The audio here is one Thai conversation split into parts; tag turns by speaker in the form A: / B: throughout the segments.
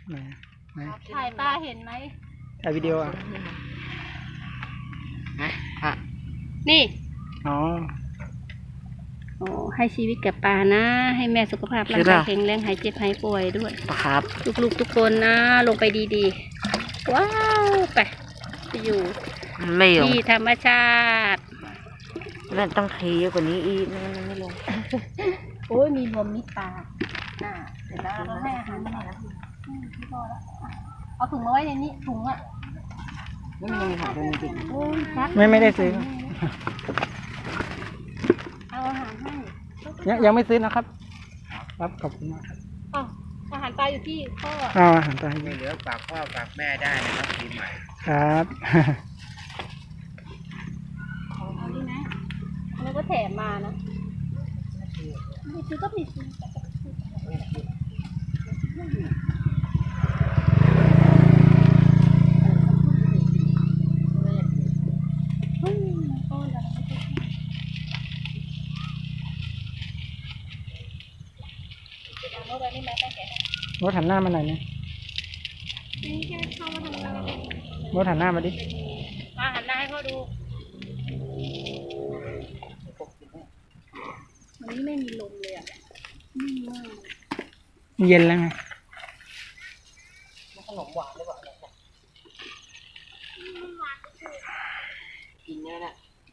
A: ไหนไหน
B: ถ่ายปลาเห็นไหม
A: ถ่ายวิดีโออ่ะ
B: นี่
A: อ๋อ
B: โอ้ให้ชีวิตกับปลานะ ให้แม่สุขภาพร่างกายแข็งแรงหายเจ็บหายป่วยด้วย
C: ครับ
B: ลูกๆทุกคนนะลงไปดีๆ ว้าวไปอยู่
C: ไม่ลง
B: ที่ธรรมชาติ
C: นั่นต้องเทเยอะกว่านี้อีกไม่ลง
B: โอ้ยมีรวมมิตรปลาน่ะเดี๋ยวเราให้อาหารมันหน่อยนะพี่พอแล้วเอาถุงมาไว้ในนี้ถุงอ่ะ
C: ไม่มีหาตัวนี้จริง
B: โอ้ยครับ
A: ไม่ได้ซื้อ
B: เอาอาหารให้
A: ยังไม่ซื้อนะครับครับขอบคุณมากครับ
B: อ๋ออาหารปลาอยู่ที่พ่อ
A: เอาอาหารไป
D: ไม่เหลือฝากพ่อฝากแม่ได้นะครับปีใหม่
A: ครับ
B: เอาดีนะแล้วก็แถมมานะมีซื้อก็มีซื้อ
A: รถหันหน้ามาหน่อยนะรถหันหน้ามาดิ
B: มาหันหน้าให้พ่อดูวันนี้ไม่มีลมเลยอ่ะนิ่งมาก
A: เย็นแล้วไง
C: ขนมหวานหรือเปล่ากินเนื้อน่ะ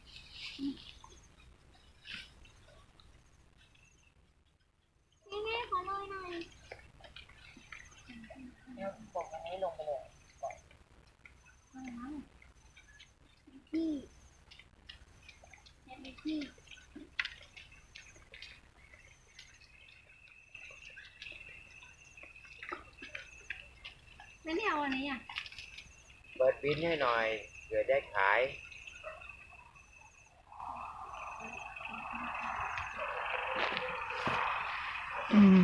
B: แม่ขอเลยหน่อย
C: บอกอันนี้ลงไปเลย
B: พี่ยังมีพี่ไม่เอาอันนี้อ่ะ
D: เปิดบินให้หน่อยเผื่อได้ขาย
A: อืม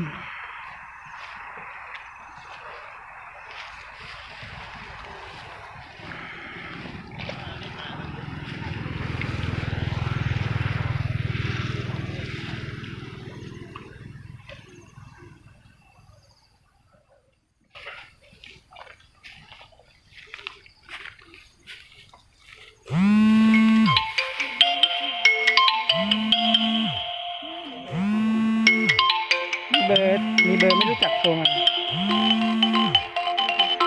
A: มีเบอร์ไม่รู้จักโทรมา